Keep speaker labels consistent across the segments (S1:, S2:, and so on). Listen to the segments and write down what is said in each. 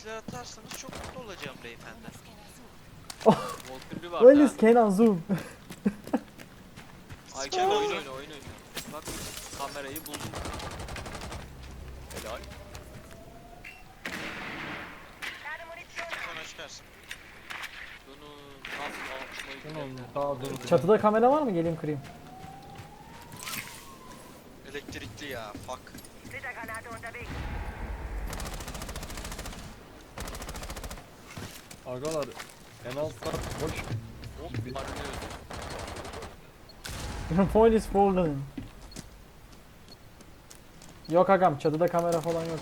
S1: like'lar atarsanız çok mutlu olacağım beyefendi.
S2: Volkürlü var
S3: Where
S2: da.
S3: is Kenan Zoom?
S2: Ayken oyun oyna. Bak kamerayı buldum. Helal.
S1: Sonra çıkarsın.
S2: Bunu nasıl açmayı
S4: Tamam,
S2: bilmiyorum.
S4: daha dur.
S3: Çatıda kamera var mı? Geleyim kırayım.
S1: Elektrikli ya, fuck.
S4: Agalar en alt kat boş.
S2: Hop arınıyoruz.
S3: Your point is fallen. Yok agam, çatıda kamera falan yok.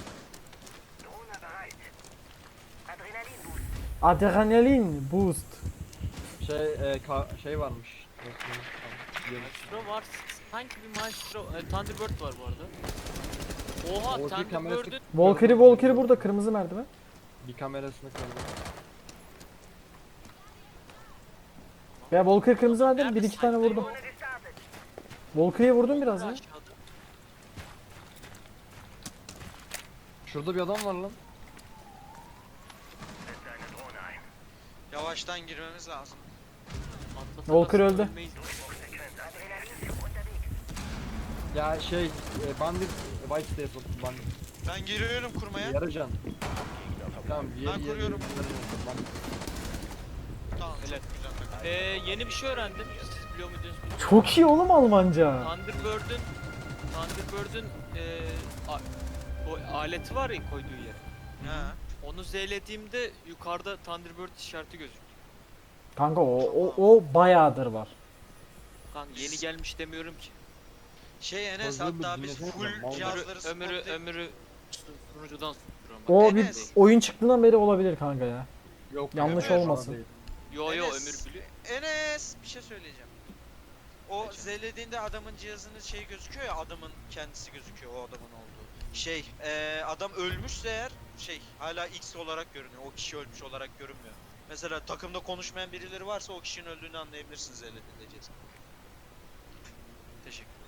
S3: Adrenalin boost.
S4: Şey varmış.
S2: Maestro var. Sanki bir Maestro. Thunderbird var bu arada. Oha
S4: Orada kamerası-
S2: Thunderbird'ün
S3: Valkyrie burada, kırmızı merdiven.
S4: Bir kamerasını kırdı.
S3: Ya Valkyrie kırmızı merdiven, bir iki tane vurdum. Valkyrie'ye vurdum biraz ya.
S2: aşağıda.
S4: Şurada bir adam var lan.
S1: Yavaştan girmemiz lazım.
S2: Atlatamazsın,
S3: Volker öldü.
S2: ölmeyiz.
S4: Ya bandit White States bandit.
S1: Ben giriyorum kurmaya.
S4: Yarıcan. Tamam
S1: Ben kuruyorum. Tamam,
S2: Helal.
S1: çok güzel.
S2: Yeni bir şey öğrendim. Siz biliyor muydunuz bilmiyorum.
S3: Çok iyi oğlum Almanca.
S2: Thunderbird'ün o aleti var ya koyduğu yer.
S1: Ha.
S2: Onu Z'lediğimde yukarıda Thunderbird işareti gözüküyor.
S3: Kanka o bayağıdır var.
S2: Kanka yeni gelmiş demiyorum ki.
S1: Enes,
S4: Fazla bir
S1: hatta biz
S4: dinlesene
S1: full
S4: de, mal.
S1: cihazları
S2: Ömürü
S1: spotlayıp...
S2: sunucudan sunuyorum.
S3: O bir
S1: Enes.
S3: oyun çıktığından beri olabilir kanka ya.
S4: Yok.
S3: Yanlış
S4: ya,
S3: olmasın.
S4: değil.
S2: Yo
S1: Enes.
S2: Ömür biliyor.
S1: Enes, bir şey söyleyeceğim. O
S2: Geçen.
S1: z'lediğinde adamın cihazının şeyi gözüküyor ya, adamın kendisi gözüküyor, o adamın olduğu. Adam ölmüşse eğer hala X olarak görünüyor. O kişi ölmüş olarak görünmüyor. Mesela takımda konuşmayan birileri varsa o kişinin öldüğünü anlayabilirsiniz z'lediğinde cihazı. Teşekkür ederim.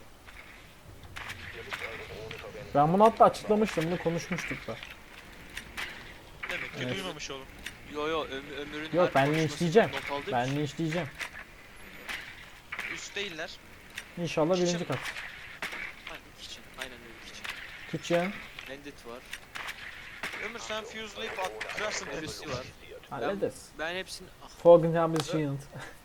S3: Ben bunu hatta açıklamıştım, bunu konuşmuştuk da.
S1: Demek ki
S3: Evet.
S1: duymamış oğlum.
S2: Yo Ömür'ün
S3: Yok,
S2: her
S3: ben
S2: konuşmasını
S3: linçleyeceğim.
S2: not aldığım
S3: Ben
S2: için.
S3: linçleyeceğim.
S1: Üst değiller.
S3: İnşallah birinci
S1: Kitchen.
S3: kat.
S2: Aynen kitchen. Aynen öyle kitchen.
S3: Kitchen.
S2: Bandit var.
S1: Ömür, sen fuse'layıp kırarsın
S2: Birisi
S1: birisi
S2: var.
S3: Hallederiz.
S2: Ben hepsini...
S3: Folgenham Shield.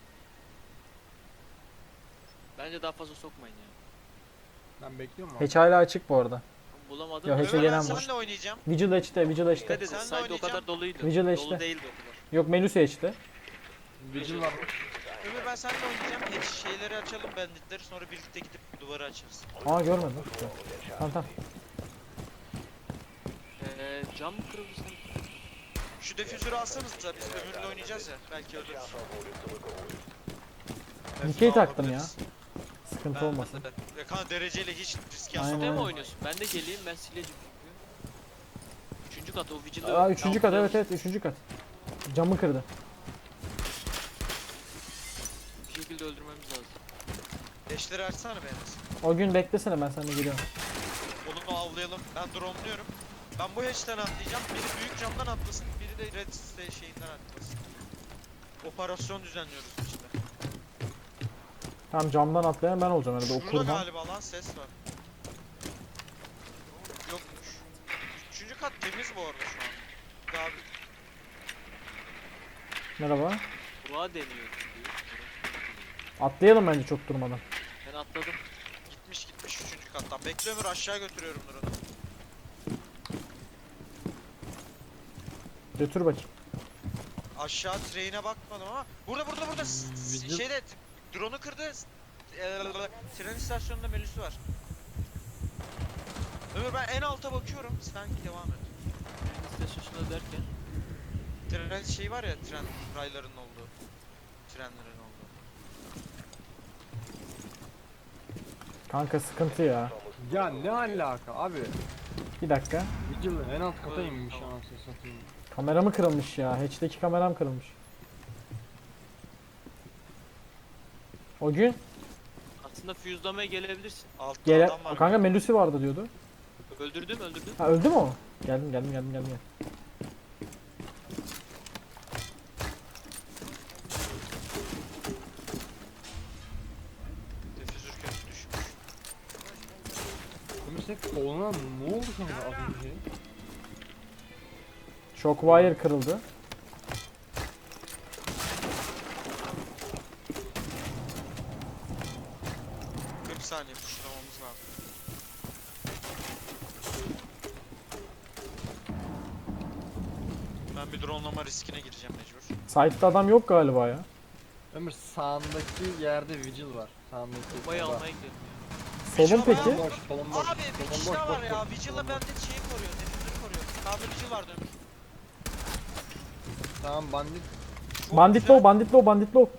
S2: Bence daha fazla sokmayın ya.
S4: Ben bekliyorum abi.
S3: Hatch hala açık bu arada.
S2: Bulamadım.
S3: Ya, Hatch'e
S1: Ömür, ben
S3: gelen var.
S1: seninle oynayacağım.
S3: Vigil Hatch'te, Vigil Hatch'te.
S2: Dikkat edin,
S1: Senle
S2: side o kadar
S1: oynayacağım.
S2: doluydu.
S3: Vigil işte.
S2: Dolu değildi o kadar.
S3: Yok, Melusi Hatch'te.
S4: Vigil var.
S1: Ömür, ben seninle oynayacağım. Şeyleri açalım, banditleri, sonra birlikte gidip duvarı açarız.
S3: Aa, görmedim. Tamam tamam.
S2: Cam mı kırıldı sanki?
S1: Şu defüzörü alsanız da biz Ömür'le oynayacağız ya. Belki ölürüz.
S3: Dikey taktım ya.
S1: Alabiliriz.
S3: Sıkıntı olmasın.
S1: Ben de. Ya kanka, dereceyle hiç risk
S3: Aynen.
S1: yapmam.
S2: Değil mi
S3: Aynen.
S2: oynuyorsun? Ben de geleyim, ben sileceğim çünkü. Üçüncü kat o vigilde.
S3: Aa, üçüncü kat, evet üçüncü kat. Camı kırdı.
S2: Bir şekilde öldürmemiz lazım.
S1: Deşleri açsana be Enes.
S3: O gün beklesene, ben seninle geliyorum.
S1: Onu avlayalım. Ben drone'luyorum. Ben bu hatch'ten atlayacağım. Biri büyük camdan atlasın, biri de red şeyinden atlasın. Operasyon düzenliyoruz işte.
S3: Tamam, camdan atlayan ben olacağım herhalde, o
S1: Şurada
S3: kurban.
S1: galiba lan ses var. Yokmuş. Üçüncü kat temiz bu arada şu an. Daha bir...
S3: Merhaba.
S2: Dua deniyor çünkü.
S3: Atlayalım bence çok durmadan.
S2: Ben atladım.
S1: Gitmiş üçüncü kattan. Bekle Ömür, aşağı götürüyorum drone'u.
S3: Götür bakayım.
S1: Aşağı train'e bakmadım ama burada
S4: Vigil-
S1: şeyde drone'u kırdı. Tren istasyonunda Melis'i var. Ömür, ben en alta bakıyorum. Sen devam et.
S2: Tren istasyonunda derken.
S1: Tren şey var ya, tren raylarının olduğu. Trenlerin olduğu.
S3: Kanka sıkıntı ya.
S4: Ya ne alaka abi?
S3: Bir dakika.
S4: Vigil en alt kata
S2: Evet,
S4: inmiş
S2: tamam.
S4: anasını satayım.
S3: Kameramı kırılmış ya. Hatch'teki kameram kırılmış. O gün
S2: Aslında fuse'lamaya gelebilirsin.
S1: Altta
S3: gele
S1: adam var.
S3: kanka Melusi vardı diyordu.
S2: Öldürdüm.
S3: Ha, öldü mü o? Geldim.
S4: tek koluna ne oldu kanka az önce?
S3: Shockwire kırıldı.
S1: Hı. 40 saniye tuşlamamız lazım. Ben bir dronelama riskine gireceğim mecbur.
S3: Site'da adam yok galiba ya.
S4: Ömür sağındaki yerde vigil var. Sağındaki.
S2: Bombayı
S4: orada.
S2: almaya gidiyorum.
S3: Solun
S1: Vigil
S3: peki?
S1: var.
S4: Boş, kolun boş.
S1: Abi bir
S4: kolun
S1: kişi
S4: boş,
S1: daha
S4: boş,
S1: var ya.
S4: boş,
S1: Vigil'la
S4: kolun boş.
S1: bende şeyi koruyor. Defüzörü koruyor. Sağda Vigil vardı Ömür.
S4: Tamam bandit.
S1: Çok
S3: Bandit
S1: güzel.
S3: low, bandit low, bandit low.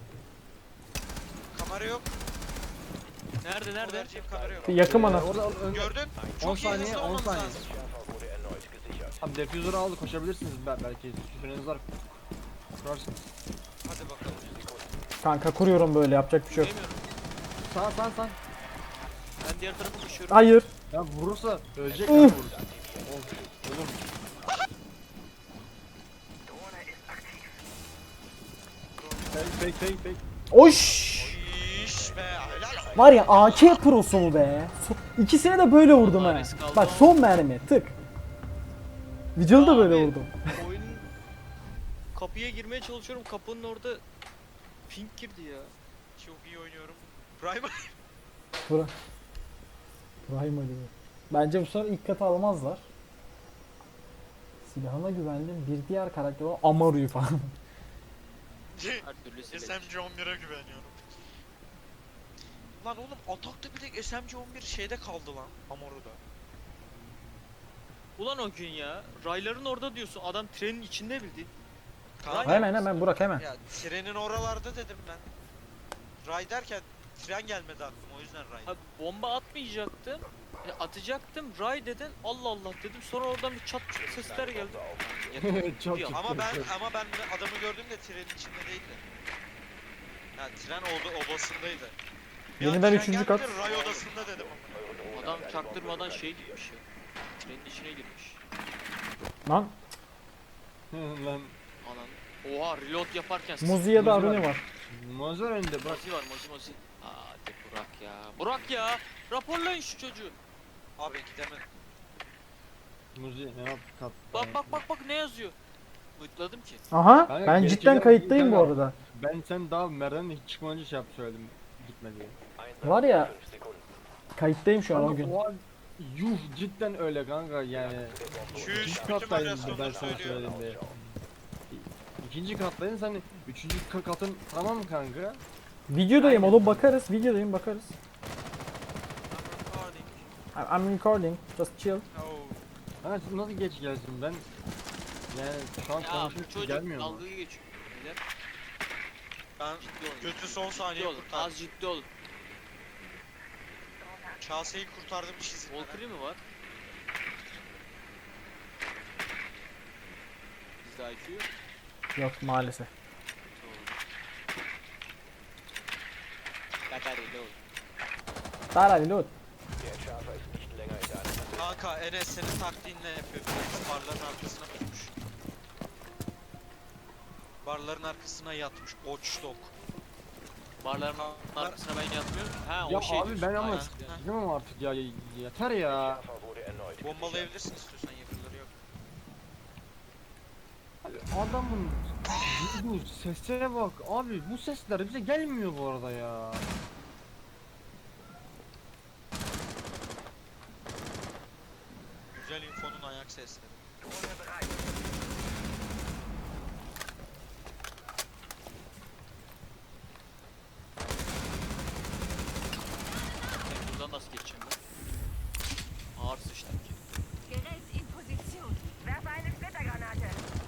S1: Kamera yok.
S2: Nerede nerede?
S1: Vereceğim kamera yok.
S3: Bir yakın bana.
S4: Orada önde.
S1: Gördün?
S4: 10
S1: Çok iyi
S4: saniye,
S1: hızlı
S4: 10
S1: olmamız
S4: saniye.
S1: lazım.
S4: Abi defuser'ı aldı koşabilirsiniz belki. Süreniz var. Kurarsınız.
S1: Hadi bakalım.
S3: Kanka kuruyorum böyle, yapacak bir şey yok.
S2: Demiyorum.
S4: Sağ.
S2: Ben diğer tarafa koşuyorum.
S3: Hayır.
S4: Ya vurursa ölecek
S3: Uf.
S4: ya vurursa. Olur. Fake.
S3: Oş.
S1: İş be. Helal olsun.
S3: Var ya AK prosu mu be? İkisine de böyle vurdum ha.
S2: Maris kaldı.
S3: Bak son mermi tık. Vigil'ı da böyle
S2: Abi,
S3: vurdum.
S2: Oyunun kapıya girmeye çalışıyorum. Kapının orada pink girdi ya.
S1: Çok iyi oynuyorum. Prime.
S3: Bura. Primal diyor. Bence bu sefer ilk katı almazlar. Silahına güvendim. Bir diğer karakter o Amaru'yu falan.
S2: Her türlü silecek.
S1: SMG 11'e güveniyorum. Lan oğlum atakta bir tek SMG 11 şeyde kaldı lan. Amoru'da.
S2: Ulan o gün ya. Rayların orada diyorsun. Adam trenin içinde bildi.
S1: Kaan,
S3: Hemen Burak hemen.
S1: Ya trenin oralarda dedim ben. Ray derken tren gelmedi aklıma o yüzden Ray.
S2: Abi bomba atmayacaktım. Atacaktım. Ray dedin. Allah Allah dedim. Sonra oradan bir çat çut sesler geldi.
S4: Çok
S2: Ya,
S4: çok.
S1: Ama ben adamı gördüğümde trenin içinde değildi. Ya tren obasındaydı. Bir an
S3: Yeniden
S1: tren
S3: 3.
S1: geldi,
S3: kat.
S1: Ray odasında dedim.
S2: Adam çaktırmadan şey gitmiş ya. Trenin içine girmiş.
S3: Lan
S4: Lan
S2: Anan. Oha reload yaparken
S3: Muzi'ye de
S4: Muzi
S3: Aruni
S4: var.
S3: var.
S4: Mozar önde bırak.
S2: Mozi var Mozi. Hadi Burak ya. Burak ya. Raporlayın şu çocuğu.
S1: Abi gidemedim.
S4: Muzi ne yap kat.
S2: Bak ne yazıyor. Mutladım ki.
S3: Aha
S4: Kanka,
S3: ben
S4: gerçi
S3: cidden
S4: ya,
S3: kayıttayım bu
S4: kanka.
S3: arada.
S4: Ben sen daha merdivenden hiç çıkmadan önce şey yap söyledim. Gitme diye.
S3: Var ya kayıttayım şu an o
S4: Kanka,
S3: gün.
S4: o an yuh cidden öyle kanka yani.
S1: Çüş,
S4: İkinci
S1: bütün
S4: kattaydım
S1: varyasyonları
S4: ben sana
S1: söylüyor.
S4: söylediğimde. İkinci kattaydın sen üçüncü katın tamam mı kanka?
S3: Videodayım oğlum, bakarız. Videodayım, bakarız.
S1: Recording.
S3: I'm recording. Just chill.
S1: Oh.
S4: Ha nasıl geç gelsin ben? Yani şu an
S2: Ya bu
S4: konuşmak
S2: çocuk
S4: gelmiyor mu?
S2: dalgayı geçiyor. Beyler,
S1: Ben
S2: ciddi olun.
S1: kötü son
S2: Ciddi
S1: saniye
S2: olun.
S1: kurtardım.
S2: Az ciddi olun.
S1: Kaseyi kurtardım hiç izlemeden.
S2: Valkyrie mi var? Bizde IQ yok.
S3: Yok maalesef.
S2: Bataryayla olur.
S3: Tarali loot.
S1: Kanka Enes senin taktiğinle yapıyor. Biraz barların arkasına tutmuş. Barların arkasına yatmış. Watchdog.
S2: Barların arkasına ben yatmıyorum. Ha
S4: Ya
S2: o şey
S4: abi
S2: diyorsun.
S4: ben ama
S2: Aynen.
S4: gidemem artık ya yeter ya.
S1: Bombalayabilirsin istiyorsan yakınları yok.
S4: Abi adamın bu seslere bak abi bu sesler bize gelmiyor bu arada ya.
S1: Güzel infonun ayak sesleri.
S2: Ben buradan nasıl geçeceğim ben? Ağır sıçtım ki.
S5: Gerät in Position. Werfe eine Splittergranate.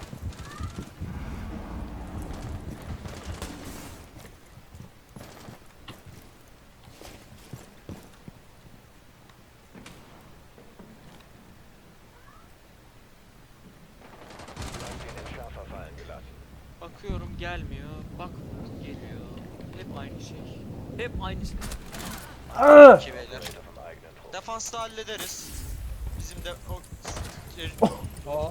S2: Bakıyorum gelmiyor. Bak geliyor. Hep aynı şey. Hep aynı şey.
S3: Aa!
S1: İki beyler. Defansta hallederiz. Bizim de o...
S4: Aa.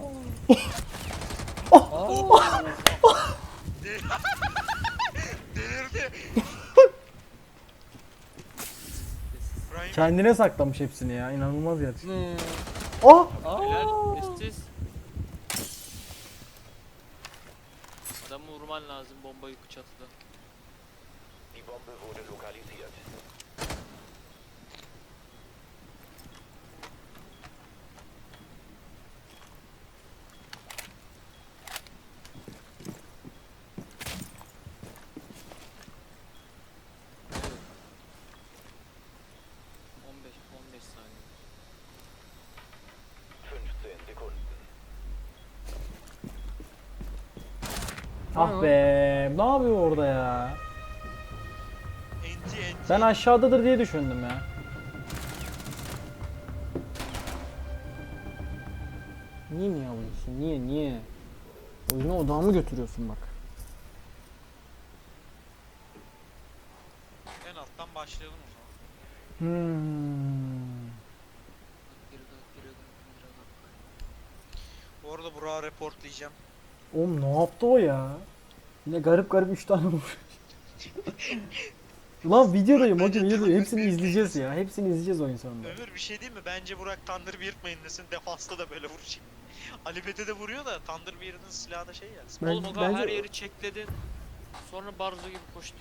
S1: Delirdi. Prime
S3: Kendine saklamış hepsini ya. İnanılmaz gerçekten.
S4: Ne?
S3: Oh!
S2: Helal. Estes. Adamı vurman lazım bomba yükü çatıda.
S6: Die Bombe wurde lokalisiert.
S2: Evet. 15 saniye.
S6: 15 Sekunden.
S3: Ah be. Ne yapıyor orada ya?
S1: Enti.
S3: Ben aşağıdadır diye düşündüm ya. Niye alıyorsun? Niye? Oyunu odağımı götürüyorsun bak.
S1: En alttan başlayalım o zaman. Bu arada Burak'ı reportlayacağım.
S3: Oğlum ne yaptı o ya? Yine garip 3 tane vurmuş. Ulan videodayım hocam videodayım. Hepsini izleyeceğiz ya. Hepsini izleyeceğiz oyun sonunda.
S1: Ömür bir şey değil mi? Bence Burak Thunderbird desin. Defansta da böyle vuracak. Ali Bete de vuruyor da Thunderbird'in silahı da şey ya.
S3: Ben-
S2: Oğlum o kadar
S3: bence-
S2: her yeri çekledin. Sonra Barzo gibi koştu.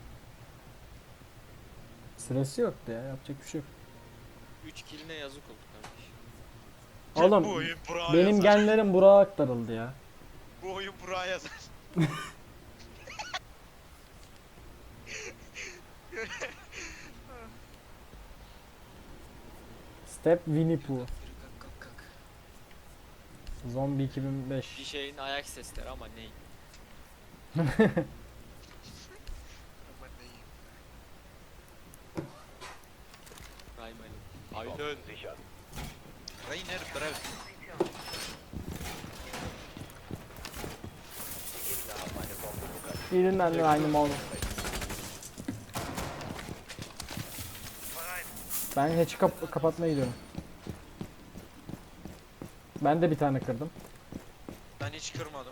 S3: Sırası yoktu ya. Yapacak bir şey yok.
S2: 3 killine yazık oldu kardeş.
S3: Oğlum
S1: Bu oyun Burak'a
S3: benim
S1: yazar.
S3: genlerim Burak'a aktarıldı ya.
S1: Bu oyun Burak'a yazar.
S3: Step Winnie Pooh.
S2: Kalk kalk.
S3: Zombie 2005.
S2: Bir şeyin ayak sesleri ama ney?
S1: Aman neyim.
S2: Raymalı.
S6: Die
S2: Aynen.
S6: Bomben sichern.
S1: Rainer Brev.
S6: Die Gegner haben eine Bombe lokalisiert.
S3: İyiyim ben de aynı mal. Ben hatch'i kapatmaya gidiyorum. Ben de bir tane kırdım.
S1: Ben hiç kırmadım.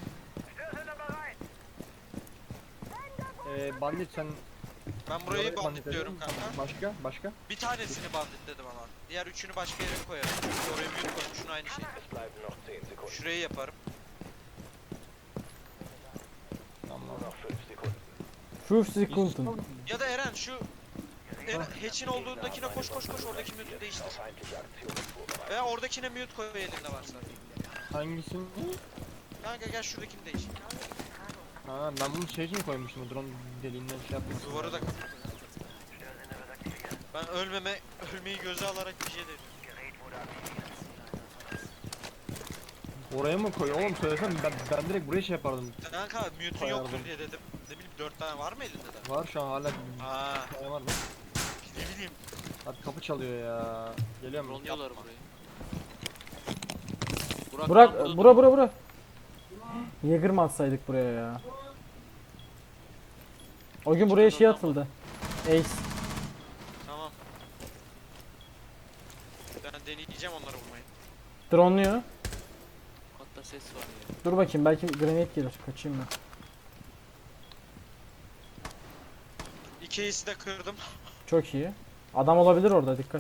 S4: Bandit sen...
S1: Ben burayı
S4: Bandit
S1: banditliyorum
S4: dedin.
S1: kanka.
S4: Başka?
S1: Bir tanesini banditledim ama. Diğer üçünü başka yere koyarım. Çünkü oraya mute koymuşsun aynı şey.
S6: Es bleiben noch 10 Sekunden.
S1: Şurayı yaparım.
S4: Tamam.
S6: Nur noch 5 Sekunden.
S3: Şu Sekunden.
S1: Ya da Eren şu hatch'in olduğundakine koş oradaki mute'u değiştir.
S6: Feindliche Aktionen vorbereitet.
S1: Veya oradakine mute koy elinde varsa.
S4: Hangisini?
S1: Kanka gel şuradakini değiştir.
S4: Ha ben bunu şey için koymuştum. Drone deliğinden şey yaptım.
S1: Duvarı da kapat. Ben ölmeyi göze alarak bir şey dedim.
S4: Oraya mı koy? Oğlum söylesem ben direkt buraya şey yapardım.
S1: Kanka mute'un
S4: Koyardım.
S1: yoktur diye dedim. Ne bileyim 4 tane var mı elinde de?
S4: Var şu an hala
S1: Aa,
S4: bir tane var mı?
S1: ne bileyim.
S4: Hadi kapı çalıyor ya. Geliyor mu?
S2: Ronluyorlar burayı.
S3: Burak,
S2: lan burada
S3: bura. Jäger mı atsaydık buraya ya? O gün buraya şey atıldı. Ace.
S1: Tamam. Ben deneyeceğim onları vurmayı.
S3: Drone'luyor.
S2: Hatta ses var ya.
S3: Dur bakayım belki granate gelir. Kaçayım ben.
S1: İki ace'i de kırdım.
S3: Çok iyi. Adam olabilir orada dikkat.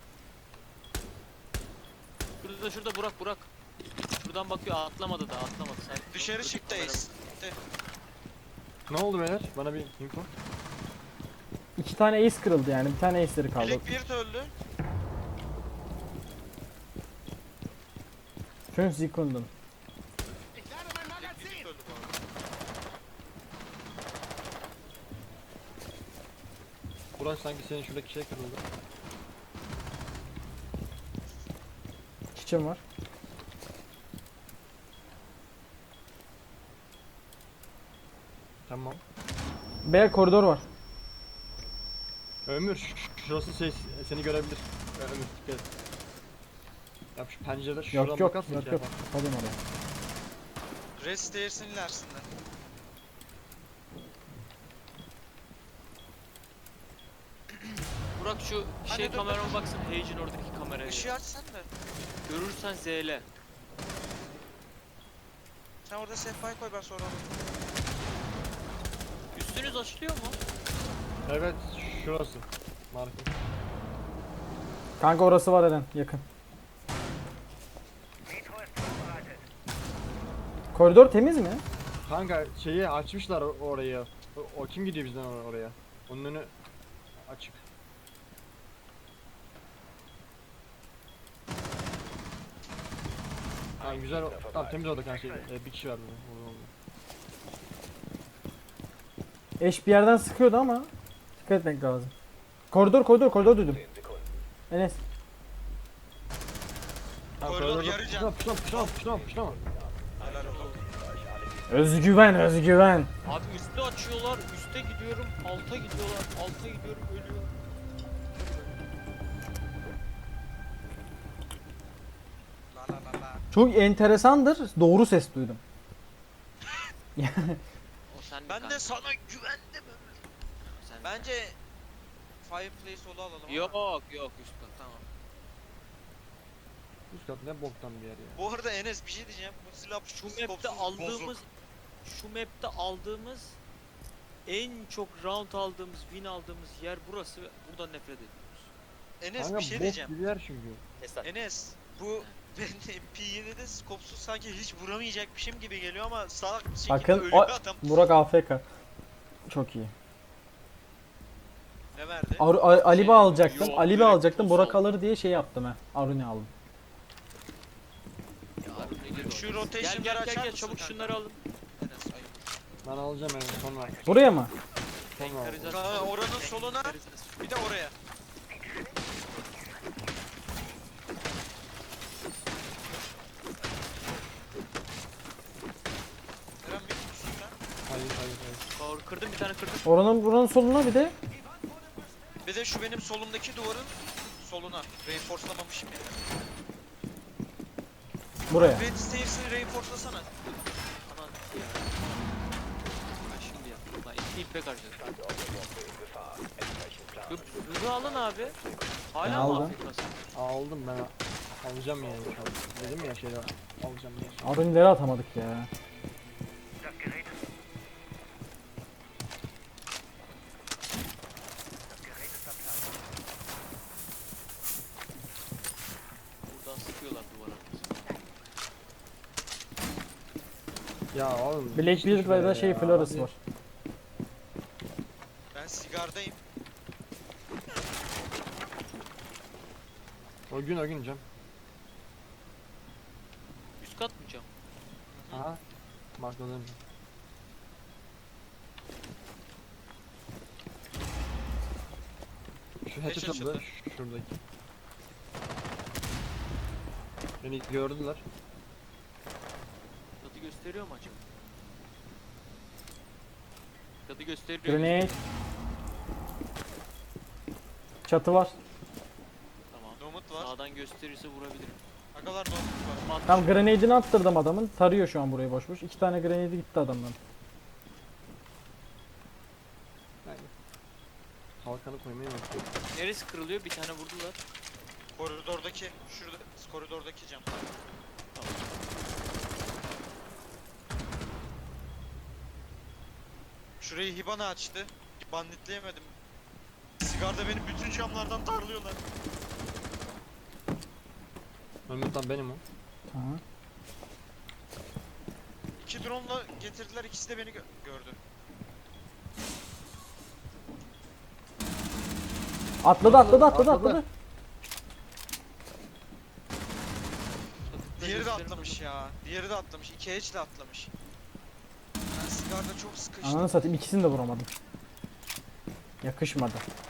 S2: Şurada Burak. Şuradan bakıyor atlamadı da atlamadı. Sen
S1: Dışarı çıktı ace. Gitti.
S4: Ne oldu beyler? Bana bir info.
S3: 2 tane ace kırıldı yani. Bir tane ace'leri kaldı.
S1: Blackbeard öldü.
S3: 5 Sekunden.
S1: Blackbeard öldü bu arada.
S4: Burak sanki senin şuradaki şey kırıldı.
S3: Kitchen var.
S4: Tamam.
S3: B koridor var.
S4: Ömür şurası şey seni görebilir. Ömür dikkat et. Yap şu pencereden şuradan
S3: Yok
S4: bakarsın
S3: yok
S4: şey
S3: yok.
S4: yapar.
S3: Kapalayım oraya.
S1: Rest stairs'in ilerisinde.
S2: Burak şu şey
S1: dur,
S2: kamerama baksana. Hage'in oradaki kameraya.
S1: Işığı açsan da.
S2: Görürsen ZL.
S1: Sen orada sehpayı koy ben sonra alırım.
S2: Üstünüz açılıyor mu?
S4: Evet şurası. Marka.
S3: Kanka orası var Eren yakın.
S5: Nitro ist vorbereitet.
S3: Koridor temiz mi?
S4: Kanka şeyi açmışlar orayı. O kim gidiyor bizden oraya? Onun önü açık. Tamam güzel. Tamam temiz oldu kanka. Bir kişi var burada. Oldu.
S3: Eş bir yerden sıkıyordu ama dikkat etmek lazım. Koridor duydum.
S6: 10 Sekunden.
S3: Enes.
S4: Tamam,
S1: Koridor
S4: koridorda-
S1: yarı can.
S4: Puşlama.
S1: Helal olsun.
S3: Özgüven.
S2: Abi üstü açıyorlar, üste gidiyorum, alta gidiyorlar, alta gidiyorum, ölüyor.
S1: La la la la.
S3: Çok enteresandır. Doğru ses duydum.
S2: O sen
S1: Ben
S2: kanka.
S1: de sana güvendim.
S2: Sen
S1: Bence Fireplace solu alalım ama.
S2: Yok üst kat tamam.
S4: Üst kat ne boktan bir yer ya.
S1: Bu arada Enes bir şey diyeceğim. Bu silah
S2: Şu
S1: skopsuz
S2: map'te aldığımız
S1: bozuk.
S2: en çok round aldığımız, win aldığımız yer burası ve buradan nefret ediyoruz.
S1: Enes
S4: Kanka
S1: bir şey
S4: bok
S1: diyeceğim.
S4: gibi yer çünkü.
S1: Enes bu ben P7'de skopsuz sanki hiç vuramayacakmışım gibi geliyor ama salak bir şekilde
S3: Bakın
S1: ölüyor
S3: o
S1: adam.
S3: Burak AFK. Çok iyi.
S1: Ne verdi?
S3: Alibi alacaktım.
S2: yok,
S3: Alibi
S2: direkt
S3: alacaktım.
S2: sol.
S3: Burak alır diye şey yaptım he. Aruni aldım.
S1: Şu rotation'ları
S2: Gel
S1: açar mısın
S2: çabuk
S1: kanka?
S2: şunları alın.
S1: Enes ayıp.
S4: Ben alacağım yani sonra.
S3: Buraya mı?
S4: Sonra al.
S1: Kanka oranın soluna bir de oraya. Eren bir tutsun lan.
S4: Hayır.
S2: Kırdım bir tane kırdım.
S3: Buranın soluna bir de.
S1: Bir de şu benim solumdaki duvarın soluna. Reinforcelamamışım ya.
S3: Buraya.
S1: Red Stairs'ini reinforcelasana.
S2: Aman ya. Ben şimdi yaptım. Lan iki ipek harcadım.
S6: Gefahr. Entsprechend plan.
S2: Hızı alın abi.
S3: Ben
S2: Hala mı
S3: aldım.
S2: Afrika'sın?
S4: Aldım ben alacağım yani. Dedim ya şeyler alacağım diye.
S3: Aruni'leri atamadık ya.
S5: Das Gerät ist. Das Gerät ist am Platz.
S2: Buradan sıkıyorlar duvara.
S4: Ya oğlum.
S3: Blackbeard ve da şey Flores var.
S1: Ben sigardayım.
S4: O gün cam.
S2: Üst kat mı cam?
S4: Aha. Markladım. Şu
S1: Beş
S4: hatchet
S1: açıldı.
S4: atıldı. Şuradaki. Beni gördüler.
S2: Tadı gösteriyor mu acaba? Tadı gösteriyor.
S3: Grenade. Çatı var.
S2: Tamam.
S1: Nomut var.
S2: Sağdan gösterirse vurabilirim.
S1: Agalar nomut var.
S3: Tam grenade'ini attırdım adamın. Tarıyor şu an burayı boş boş. 2 tane grenade gitti adamdan.
S4: Kalkanı koymayı unuttum.
S2: Neresi kırılıyor? Bir tane vurdular.
S1: Koridordaki, şurada koridordaki cam.
S2: Tamam.
S1: Şurayı Hibana açtı. Banditleyemedim. Sigarda benim bütün camlardan darlıyorlar.
S4: Mehmet benim o.
S3: Tamam.
S1: 2 drone'la getirdiler, ikisi de beni gördü.
S3: Atladı.
S1: Diğeri de atlamış ya. Diğeri de atlamış. 2 edge de atlamış. Ben sigarda çok sıkıştım.
S3: Ananı satayım ikisini de vuramadım. Yakışmadı.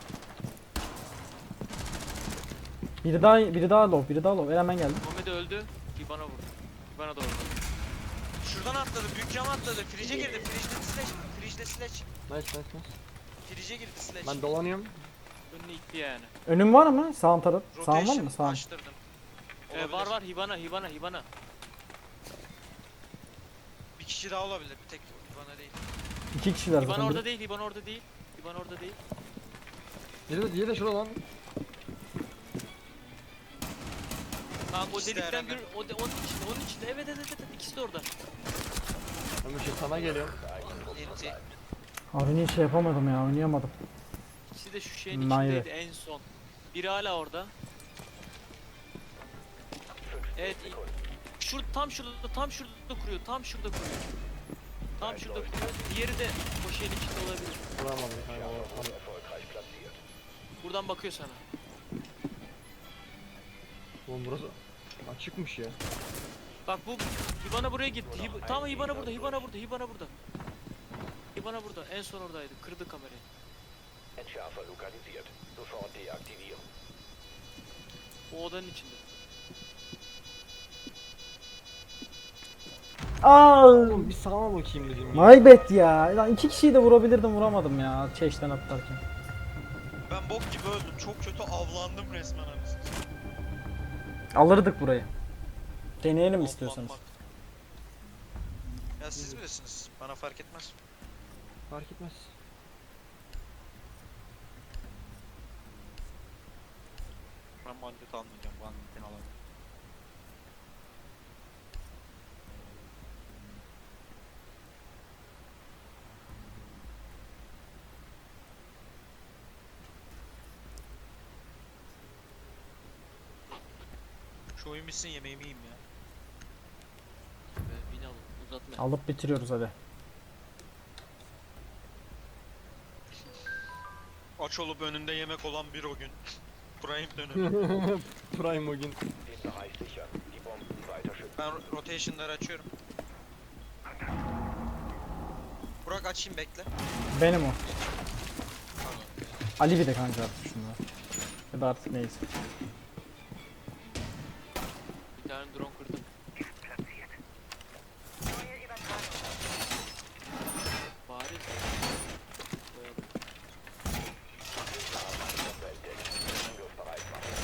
S3: Biri daha low. Hemen geldi.
S2: Muhammed öldü. İbana vurdu. İbana da vurdu.
S1: Şuradan atladı. Büyük cam atladı. Frige'e girdi. Frige'de slash.
S4: Nice.
S1: Frige'e girdi slash.
S4: Ben dolanıyorum.
S2: Önüne itti yani.
S3: Önüm var mı? Sağ taraf. Sağ var
S1: Rotation
S3: mı? Sağ.
S1: açtırdım.
S2: Var var Hibana.
S1: Bir kişi daha olabilir. Bir tek bana değil.
S3: 2 kişiler
S2: İban
S3: zaten.
S2: orada değil, İban orada değil. İban orada değil.
S4: Diğeri de şurada lan.
S2: Tamam o
S1: İkisi de
S2: delikten
S1: Eren'den.
S2: bir onun içinde. Evet ikisi de orada.
S4: Ömür şey sana geliyorum.
S1: Enti.
S3: Aruni'yi şey yapamadım ya. Oynayamadım.
S2: İkisi de şu şeyin
S3: Naire.
S2: içindeydi en son. Biri hala orada. Evet. Tam şurada kuruyor. Tam şurada kuruyor. Tam şurada kuruyor. Diğeri de o şeyin içinde olabilir.
S4: Vuramadım kanka.
S6: Erfolgreich platziert.
S2: Buradan bakıyor sana.
S4: Oğlum burası açıkmış ya.
S2: Bak bu Hibana buraya gitti. Tam Hibana burada. Hibana burada. En son oradaydı. Kırdı kamerayı.
S6: Entschärfer lokalisiert. Sofort deaktivieren.
S2: O odanın içinde.
S3: Aa,
S4: Oğlum bir sağa bakayım dedim ya.
S3: my bad ya. Lan 2 kişiyi de vurabilirdim, vuramadım ya. Çeşten atlarken.
S1: Ben bok gibi öldüm. Çok kötü avlandım resmen anasını.
S3: Alırdık burayı. Deneyelim istiyorsanız.
S1: Avlanmak. Ya siz bilirsiniz. Bana fark etmez.
S4: Fark etmez.
S1: Ben bandit almayacağım. Banditini alamam. Şu oyun bitsin yemeğimi yiyeyim ya.
S2: Beni alın. Uzatma.
S3: Alıp bitiriyoruz hadi.
S1: Aç olup önünde yemek olan bir o gün. Prime dönemi.
S4: Prime o gün.
S6: Den Bereich sichern. Die Bomben weiter schützen.
S1: Ben rotation'ları açıyorum. Burak açayım bekle.
S3: Benim o.
S1: Pardon.
S3: Ali bir de kanka artık şunlar. Ya da artık neyse.
S2: Bir tane drone kırdım.
S5: Neue Übertragung.
S2: Bari. Koyalım.
S6: Bombe entdeckt. Angriffsbereit machen.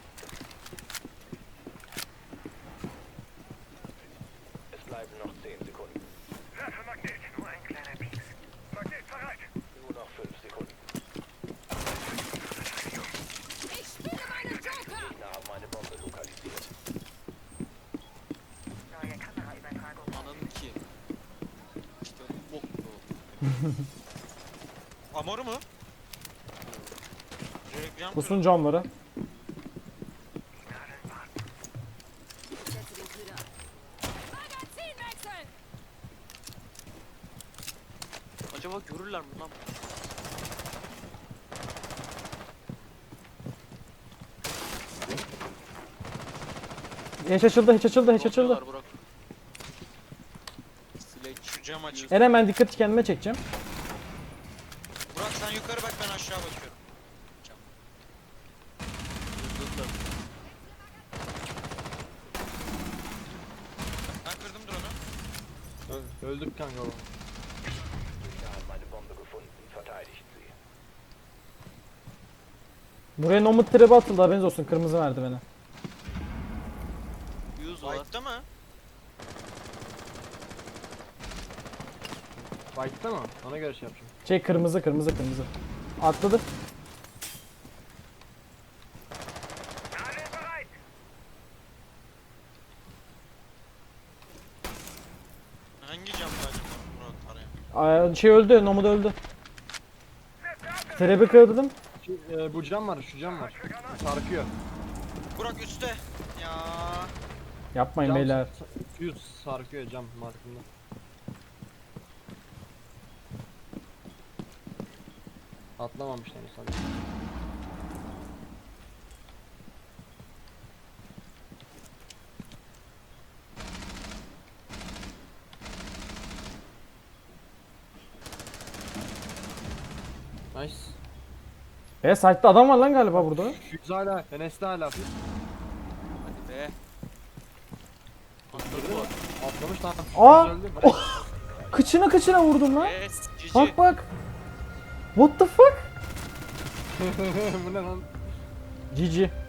S6: Es bleiben noch 10 Sekunden.
S5: Werfe Magnet. Nur ein kleiner Pieks. Magnet bereit.
S6: Nur noch 5 Sekunden.
S5: Ich spiele meine Joker.
S6: Gegner haben eine Bombe lokalisiert.
S5: Neue Kameraübertragung.
S2: Ananın ki. İşte bok gibi oldu.
S1: Amor mu? Reklam
S3: Kusun camları.
S5: Setze den Köder. Magazin wechseln.
S2: Acaba görürler mi lan?
S3: Hiç açıldı, hiç açıldı, hiç açıldı.
S2: Bakıyorlar Burak. Sledge.
S1: Şu cam açık.
S3: Eren ben dikkati kendime çekeceğim.
S1: Burak sen yukarı bak ben aşağı bakıyorum. Cam.
S2: Hızlıkla.
S1: Ben kırdım drone'u.
S4: Öldük kanka oğlum.
S6: Gegner haben eine Bombe gefunden. Verteidigt sie.
S3: Buraya nomad trap'i atıldı, haberiniz olsun, kırmızı merdivene.
S2: Yüz var.
S1: White'da mı?
S4: Fight'ta mı? Ona göre şey yapacağım.
S3: Şey kırmızı. Atladı.
S5: Alle bereit.
S1: Hangi camda acaba Burak arayan?
S3: Şey öldü, nomad öldü. Trap'i kırdım.
S4: Bu cam var, şu cam var. Sarkıyor.
S1: Burak üstte. Ya.
S3: Yapmayın
S4: Cam
S3: beyler.
S4: Suyu sarkıyor cam markında. Atlamamışlar sanki. Nice.
S3: Site'da adam var lan galiba burada.
S4: Yüz hala, Enes'te hala.
S2: Hadi be. Atladı bu.
S4: Atlamış lan.
S3: Aa!
S4: Yüz öldü.
S3: Kıçına vurdum lan.
S2: Yes. GG.
S3: Bak. What the fuck?
S4: Bu ne lan?
S3: GG.